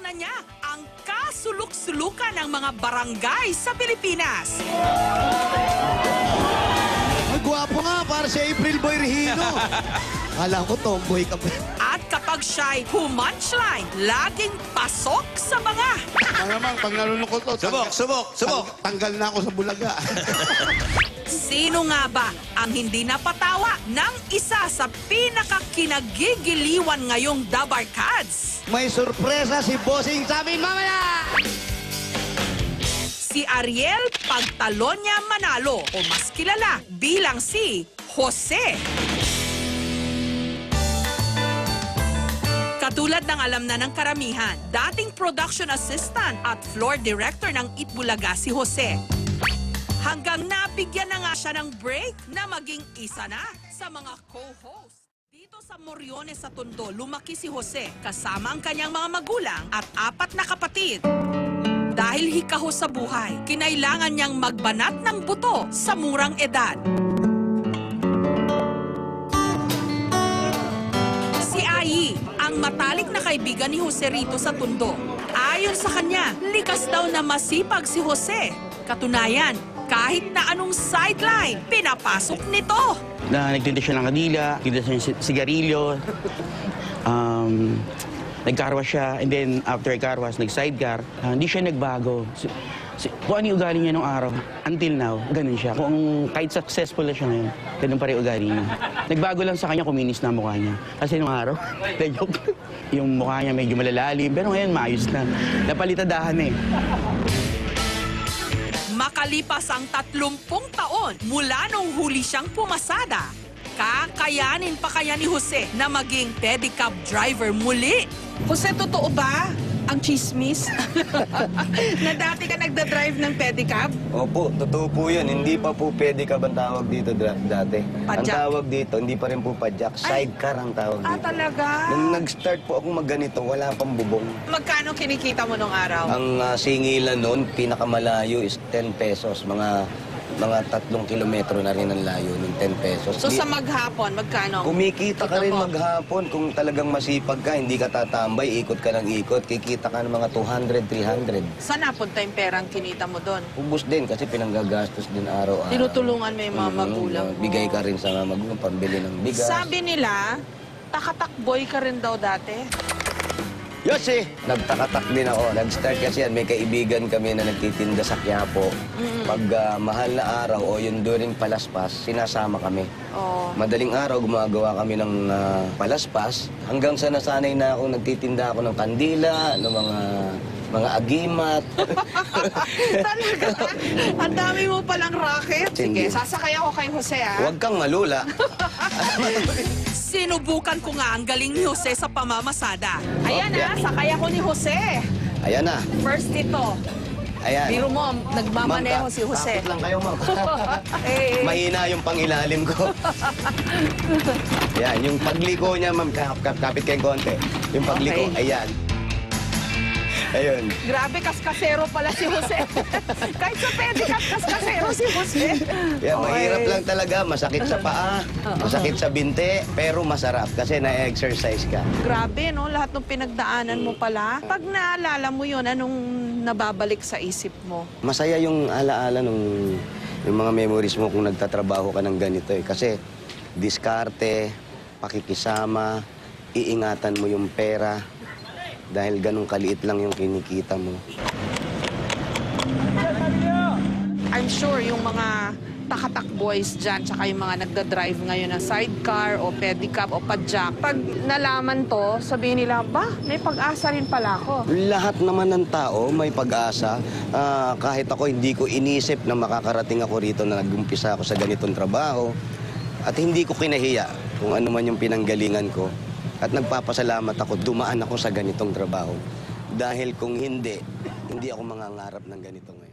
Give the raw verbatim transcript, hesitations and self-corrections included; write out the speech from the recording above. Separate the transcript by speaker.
Speaker 1: na niya ang kasuluk-sulukan ng mga barangay sa Pilipinas.
Speaker 2: Ay, gwapo nga, para si April Boy Regino. Alam ko, tomboy ka pa.
Speaker 1: At kapag siya'y humunchline, laging pasok sa banga.
Speaker 2: Ang naman, pag nalulungkot ko,
Speaker 3: Subok, subok, subok.
Speaker 2: tang- tanggal na ako sa bulaga.
Speaker 1: Sino nga ba ang hindi napatawa ng isa sa pinakakinagigiliwan ngayong Dabarkads?
Speaker 2: May sorpresa si Bossing sa amin mamaya!
Speaker 1: Si Ariel Pagtalonya Manalo o mas kilala bilang si Jose. Katulad ng alam na ng karamihan, dating production assistant at floor director ng Itbulaga si Jose. Hanggang nabigyan na nga siya ng break na maging isa na sa mga co-host. Dito sa Moriones sa Tondo, lumaki si Jose kasama ang kanyang mga magulang at apat na kapatid. Dahil hikaho sa buhay, kinailangan niyang magbanat ng buto sa murang edad. Si Ai, ang matalik na kaibigan ni Jose rito sa Tondo. Ayon sa kanya, likas daw na masipag si Jose. Katunayan, kahit na anong sideline, pinapasok nito.
Speaker 4: Na nagtinda siya ng kadila, nagtinda siya ng sigarilyo, um, nagkarwas siya, and then after karwas, nag-sidecar. Uh, hindi siya nagbago. Si, si, kung ano yung ugali niya nung araw, until now, ganun siya. Kung kahit successful na siya ngayon, ganun pa rin yung ugali niya. Nagbago lang sa kanya, kuminis na ang mukha niya. Kasi nung araw, joke, yung mukha niya medyo malalalim, pero ngayon maayos na. Napalitadahan eh.
Speaker 1: Makalipas ang tatlumpung taon mula nung huli siyang pumasada, kakayanin pa kaya ni Jose na maging pedicab driver muli?
Speaker 5: Jose, totoo ba ang chismis na dati ka nagda-drive ng pedicab?
Speaker 3: Opo, totoo po yun. Hindi pa po pedicab ang tawag dito dra- dati. Ang
Speaker 5: Padjak?
Speaker 3: tawag dito, hindi pa rin po padjak. Sidecar ang tawag
Speaker 5: Ah,
Speaker 3: dito.
Speaker 5: talaga?
Speaker 3: Nung nag-start po ako magganito, wala pang bubong.
Speaker 5: Magkano kinikita mo nung araw?
Speaker 3: Ang ah, singilan noon, pinakamalayo is ten pesos. Mga mga tatlong kilometro na rin ang layo ng ten pesos.
Speaker 5: So
Speaker 3: Di-
Speaker 5: sa maghapon, magkano?
Speaker 3: Kumikita ka
Speaker 5: Kita
Speaker 3: rin
Speaker 5: mo?
Speaker 3: maghapon. Kung talagang masipag ka, hindi ka tatambay, ikot ka ng ikot, kikita ka ng mga two hundred, three hundred.
Speaker 5: Saan napunta yung perang kinita mo doon?
Speaker 3: Ubus din kasi pinanggagastos din araw-araw.
Speaker 5: Tinutulungan mo yung mga
Speaker 3: Mm,
Speaker 5: magulang mo.
Speaker 3: Bigay ka rin sa mga magulang, pambili ng bigas.
Speaker 5: Sabi nila, takatakboy ka rin daw dati.
Speaker 3: Yossi! Nagtakatak din ako. Nag-start kasi yan. May kaibigan kami na nagtitinda sa Quiapo. Pag ah, mahal na araw o yung during palaspas, sinasama kami.
Speaker 5: Oh.
Speaker 3: Madaling araw, gumagawa kami ng ah, palaspas. Hanggang sa nasanay na ako, nagtitinda ako ng kandila, ng mga mga agimat.
Speaker 5: Talaga? Ang dami mo palang racket. Sige,
Speaker 3: Hindi.
Speaker 5: sasakay ako kay Jose, ah.
Speaker 3: Huwag kang malula.
Speaker 1: Sinubukan ko nga ang galing ni Jose sa pamamasada.
Speaker 5: Ayan, ah, sakay ako ni Jose.
Speaker 3: Ayan na.
Speaker 5: First ito.
Speaker 3: Ayan.
Speaker 5: Biro mo, nagmamaneho
Speaker 3: Ma'am,
Speaker 5: si Jose.
Speaker 3: takot lang kayo, ma'am.
Speaker 5: Eh,
Speaker 3: Mahina yung pangilalim ko. Yan, yung pagliko niya, ma'am, kap, kap, kapit kayong konti. Yung pagliko,
Speaker 5: Okay.
Speaker 3: ayan. Ayun.
Speaker 5: grabe, kaskasero pala si Jose. Kahit sa pedicab, kaskasero si Jose.
Speaker 3: Yan,
Speaker 5: Okay.
Speaker 3: mahirap lang talaga. Masakit sa paa, masakit sa binte, pero masarap kasi na-exercise ka.
Speaker 5: Grabe, no? Lahat ng pinagdaanan mo pala. Pag naalala mo yun, anong nababalik sa isip mo?
Speaker 3: Masaya yung alaala nung yung mga memories mo kung nagtatrabaho ka ng ganito eh. Kasi diskarte, pakikisama, iingatan mo yung pera dahil ganun kaliit lang yung kinikita mo.
Speaker 5: I'm sure yung mga takatak boys dyan, tsaka yung mga nagda-drive ngayon na sidecar o pedicab o padjak, pag nalaman to, sabihin nila, ba, may pag-asa rin pala ako.
Speaker 3: Lahat naman ng tao may pag-asa. Ah, kahit ako hindi ko inisip na makakarating ako rito na nag-umpisa ako sa ganitong trabaho. At hindi ko kinahiya kung ano man yung pinanggalingan ko. At nagpapasalamat ako, dumaan ako sa ganitong trabaho. Dahil kung hindi, hindi ako mangangarap ng ganito ngayon.